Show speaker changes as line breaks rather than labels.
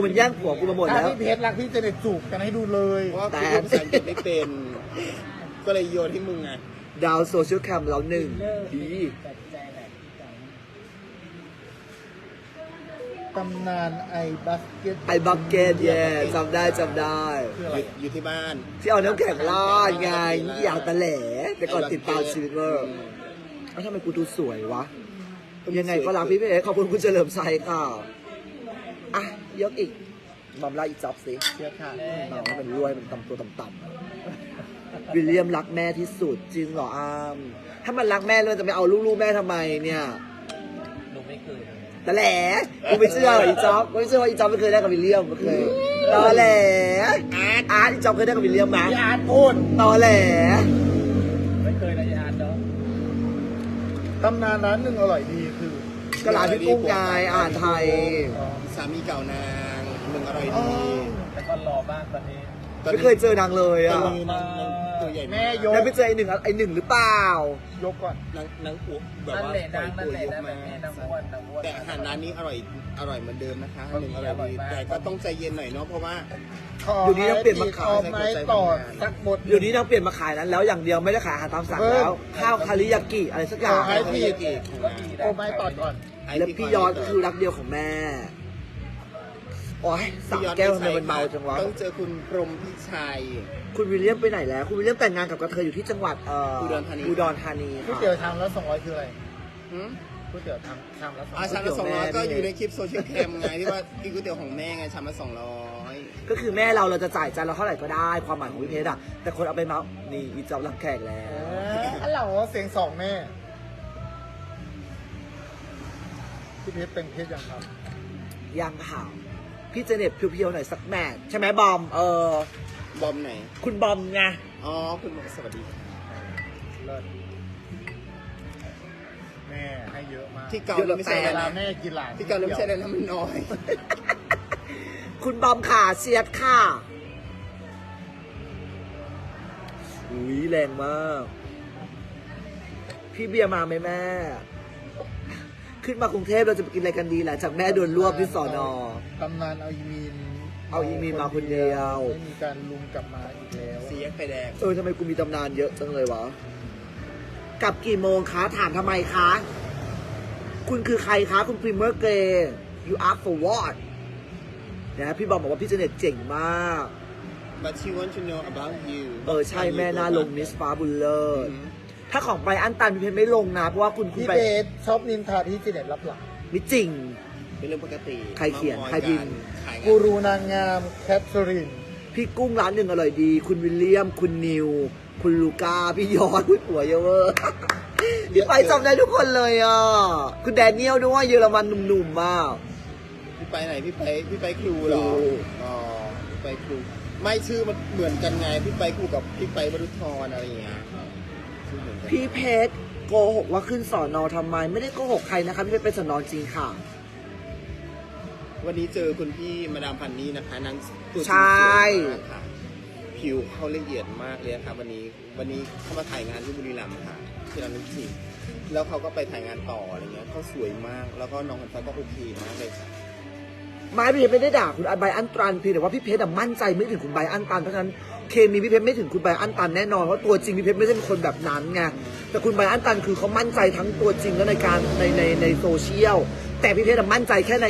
มันแย่งผัวกูมาหมด
ถ้า
แล้ว
พี่เพชรรักพี่จะเด็ดจูบกันให้ดูเลย
เพราะว่าคุณพูดภาษาอังกฤษไม่เป็น ก็เลยโยนให้มึงไง
ดาวโซเชียลแคมเราหนึ่งดี
ตำนานไอ้บัสเก็ต
ไอ้บักเก็ตแย่จำได้
คืออะไร
อยู่ที่บ้าน
ที่เอาน้ำแข็งราดไงอยากตะแหล่แต่ก่อนติดตามชีวิตเวอร์แล้วทำไมกูดูสวยวะยังไงก็รักพี่เพชรขอบคุณคุณเฉลิมชัยค่ะอ่ะยกอีกมัมลาอีกจ็อบสิ
เชื่อค่ะ
มัมมันรวยมันต่ำตัวต่ำๆวิลเลียมรักแม่ที่สุดจริงเหรออามถ้ามันรักแม่แล้วจะไม่เอาลูกๆแม่ทำไมเนี่ยหนูไม่เคยแต่แหละกูไม่เชื่ออีจ๊อบไม่เชื่อว่าอีจ๊อบไม่เคยได้กับวิลเลียมไม่เคยตอแหลอาร์ตอีจ๊อบเคยได้กับวิลเลียมไหม
พี่อาร์ตพูด
ตอแหล
ไม่เคยนะพี่อาร์ตเนาะตำนานร้านหนึ่งอร่อยดีคือ
ก็ร้านพี่กุ้งยายอ่านไทย
สามีเก่านางมึงอร่อยดี
แต่ก็รอบ้างตอนนี้
ไม่เคยเจอนางเลย
ตอ
อ่ะ
นนี้นางตัวใหญ่
แม่ยก
แล้วไปเจอไอ้หนึ่งหรือเปล่า
ยกก่อน
นางอ้วกแบบว่าปล่อยตัวยกมาแต่อาหารร้านนี้อร่อยเหมือนเดิมนะคะหนึ่งอร่อยดีแต่ก็ต้องใจเย็นหน่อยเนาะเพราะว่า
อยู่ดีต้องเปลี่ยนมาขาย
ไม้ต่อสักหมด
เดี๋ยวนี้นางเปลี่ยนมาขายนั้นแล้วอย่างเดียวไม่ได้ขายอาหารตามสั่งแล้ว ข้าวคาริยากิอะไรสักอย่าง
ขอให้
ที่เก๋ของนาง
โอ้ไม้ต่อก่อน
แล้วพี่ยอดก็คือรักเดียวของแม่โอ้ยสามแก้วทำไมมันเมาจังวะ
ต้องเจอคุณพรหมพิชัย
คุณวิลเลียมไปไหนแล้ว คุณวิลเลียมแต่งงานกับกระเทยอยู่ที่จังหวัด
อุดรธานี
อุดรธานี
ก๋วย
ค่ะ
เตี๋ยวชามละ200คืออะไร
หืม
ก๋วยเตี๋ยวชามละ200
ชามละ200ก็อยู่ในคลิปโซเชียลแคมไงที่ว่ากินก๋วยเตี๋ยวของแม่ไงชามละ200
ก็คือแม่เราจะจ่ายจานเราเท่าไหร่ก็ได้ความหมายของพี่เพชรอะแต่คนเอาไปเมานี่อีจอบรักแขกแล้ว
อันเหล่าเสียงสองแม่พี่เพชรเป็นเพชรยังครับ
ยังข่าวพี่เจเน็ตเพียวๆหน่อยสักแมทใช่ไหมบอม
บอมไหน
คุณบอมไง
อ๋อคุณบอมสวัสดี
เลิศแม่ให้เยอะมาก
ที่เก่าไม่ใช่
เว
อะไร
ลา
นะ
แม่กินหลาน
ที่เก่าไม่ใช่อะไรนะมันน้อย
คุณบอมค่ะเชียร์ค่ะอุ้ยแรงมากพี่เบียร์มาไหมแม่ ขึ้นมากรุงเทพเราจะไปกินอะไรกันดีหลังจากแม่โดนรวบที่สอนอ
ตำนานเอาอีมีน
เอาอีมีนมาคนเดียว
ไม่มีการลุมกลับมาอีกแล้ว
สีแยกไฟแดง
ทำไมกูมีตำนานเยอะจังเลยวะกลับกี่โมงคะถามทำไมคะ คุณคือใครคะ คุณพรีเมอร์เกย์ you ask for what นะพี่บอมบอกว่าพี่เจเน็ตเจ๋งมาก
but she want to know about you
ใช่แม่น่าลงมิสฟ้าบุลเลอร์ถ้าของไปอันตันพี่เพชรไม่ลงนะเพราะว่าคุณ
พี่
ไป
เพชรชอบนินทาที่เจเน็ตรับหลัง
ไม่จริง
เป็นเรื่องปกติ
ใครเขียน
มามอย
ใครพิมพ์
ขายงาน
กูรูนางงามแคทเธอรีน
พี่กุ้งร้านหนึ่งอร่อยดี คุณวิลเลียม คุณนิว คุณลูก้า พี่ยอดพี่หัวเยอะเวอร์พี่ไปจำได้ทุกคนเลยอ่ะ คุณแดเนียลด้วยเยอรมันหนุ่มๆมาก
พี่ไปไหนพี่ไปครูเหรอ
ครู
อ๋อพี่ไปครูไม่ชื่อมันเหมือนกันไงพี่ไปครูกับพี่ไปบรรลุธรอะไรอย่างเงี้ยชื่อเหมือนกัน
พี่เพชรโกหกว่าขึ้นสอนอทำไม ไม่ได้โกหกใครนะคะพี่เพชรไปสอนอจริงค่ะ
วันนี้เจอคุณพี่มาดามพันนี่นะคะนางตัวจริง
ใช่
สวยมากค่ะผิวเขาละเอียดมากเลยค่ะวันนี้เขามาถ่ายงานที่บุรีรัมย์ค่ะที่ร้านนึกสิแล้วเขาก็ไปถ่ายงานต่ออะไรเงี้ยเขาสวยมากแล้วก็น้องคนฟ้าก็โอเคมากเลยค่ะ
ไม่พี่เพชรไม่ได้ด่าคุณไบอันตันเพียงแต่ว่าพี่เพชรมั่นใจไม่ถึงคุณไบอันตันเพราะฉะนั้นเคมีพี่เพชรไม่ถึงคุณไบอันตันแน่นอนเพราะตัวจริงพี่เพชรไม่ใช่เป็นคนแบบนั้นไงแต่คุณไบอันตันคือเขามั่นใจทั้งตัวจริงและในการในโซเชียลแต่พี่เพชรมั่นใจแค่ใน